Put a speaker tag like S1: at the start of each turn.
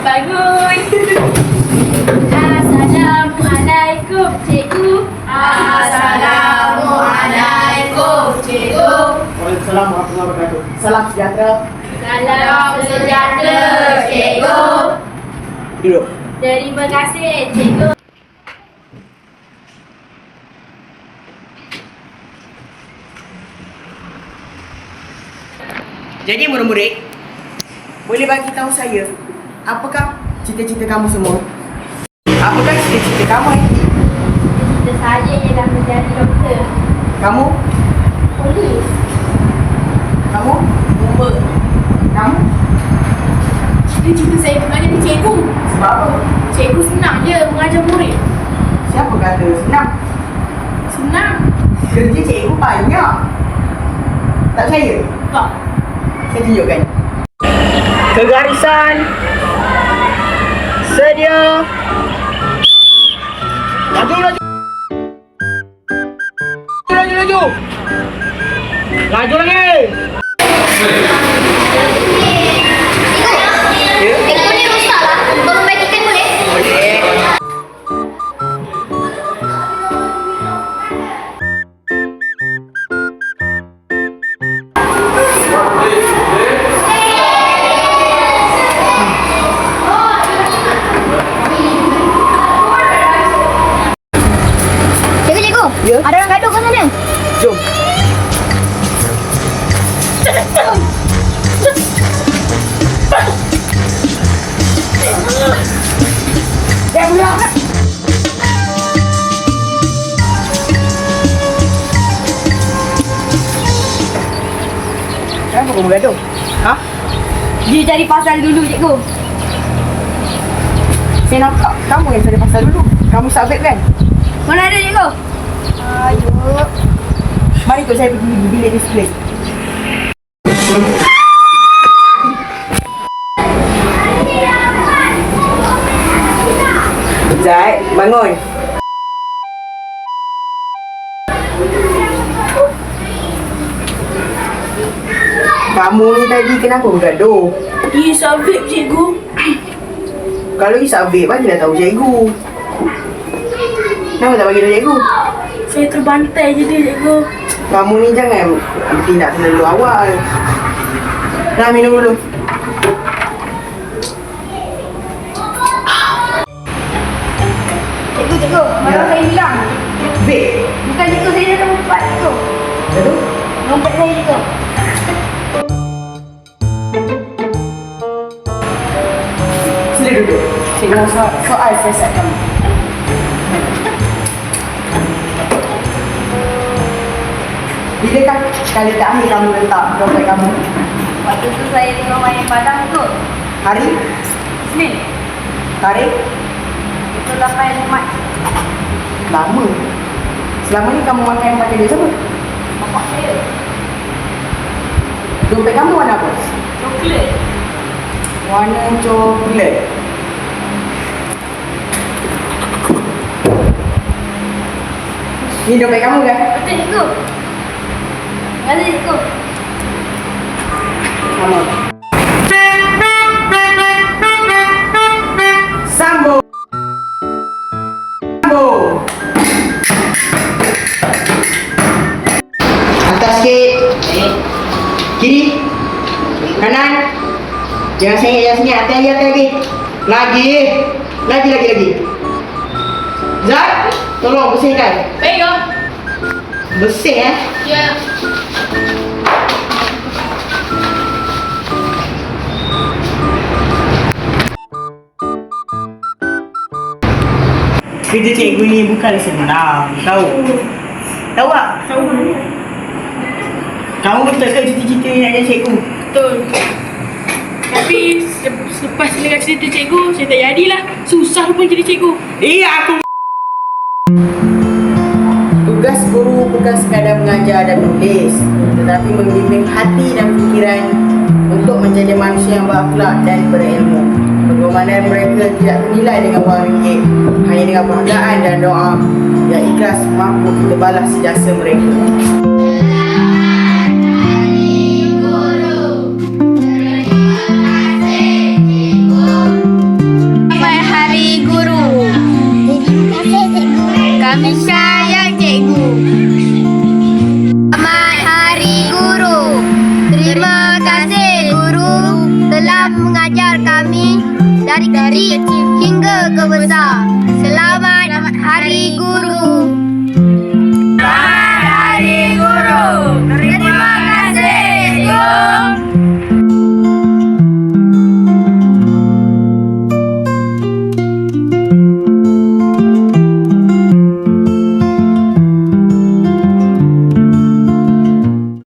S1: bangun. Assalamualaikum, cikgu.
S2: Assalamualaikum, cikgu.
S3: Waalaikumsalam warahmatullahi wabarakatuh. Salam sejahtera.
S1: Salam sejahtera, cikgu.
S3: Duduk.
S1: Terima kasih, cikgu.
S3: Jadi murid-murid, boleh bagi tahu saya, apakah cita-cita kamu semua? Apakah cita-cita kamu?
S1: Cita saya ialah menjadi doktor.
S3: Kamu?
S1: Polis.
S3: Kamu?
S2: Bomba.
S3: Kamu?
S2: Cita-cita saya menjadi cikgu.
S3: Sebab apa?
S2: Cikgu senang je mengajar murid.
S3: Siapa kata senang?
S2: Senang.
S3: Kerja cikgu banyak. Tak percaya?
S2: Tak.
S3: Saya tunjukkan. Kegarisan. Sedia. Laju, laju. Laju, laju. Laju lagi.
S1: Cikgu ni rosak lah. Tolong bagikan boleh?
S3: Boleh.
S1: Cikgu.
S3: Ya?
S1: Ada orang gaduh kat sana.
S3: Jom. Kenapa kamu gaduh? Ha?
S1: Dia cari pasal dulu, cikgu.
S3: Saya nampak kamu yang cari pasal dulu. Kamu sabit kan?
S1: Mana ada, cikgu? Ayo.
S3: Mari ikut saya pergi bilik display. Zai, bangun. Kamu ni tadi kenapa bergaduh?
S2: Dia sabit cikgu.
S3: Kalau isap vape, bagilah tahu cikgu. Kenapa tak bagi tahu cikgu?
S2: Saya terbantai je dia cikgu.
S3: Kamu ni jangan bertindak terlalu awal. Dah minum dulu.
S1: Cikgu. Mana saya bilang?
S3: Vape.
S1: Bukan cikgu, saya dah lompat, cikgu.
S3: Betul?
S1: Lompat saya, cikgu.
S3: Sila duduk. Cikgu soal siasat kamu. Bilakah kali terakhir kamu letak dompet kamu?
S1: Waktu tu saya tengok main padang tu.
S3: Hari?
S1: Senin.
S3: Tarikh?
S1: Itu 8 Mac.
S3: Lama. Selama ni kamu makan pakai duit siapa?
S1: Bapak saya.
S3: Dompet kamu warna apa?
S1: Coklat.
S3: Warna coklat. Ni dompet kamu kan?
S1: Betul, cikgu. Terima kasih, cikgu.
S3: Sama. Sambung. Sambung. Atas sikit. Kiri. Kanan. Jangan sengit. Atas lagi. Lagi. Zat, tolong bersihkan.
S2: Baik kau.
S3: Bersih
S2: Ya.
S3: Kerja cikgu ni bukan senang. Tahu? Tahu tak?
S2: Tahu.
S3: Kamu betul ke cita-cita ni nak jadi cikgu?
S2: Betul. Tapi selepas dengar cerita cikgu, saya tak jadilah. Susah pun jadi cikgu.
S3: Aku. Tugas guru bukan sekadar mengajar dan menulis, tetapi membimbing hati dan fikiran untuk menjadi manusia yang berakhlak dan berilmu. Pengorbanan mereka tidak ternilai dengan wang ringgit, hanya dengan penghargaan dan doa yang ikhlas mampu kita balas jasa mereka.
S4: dari kecil hingga ke besar.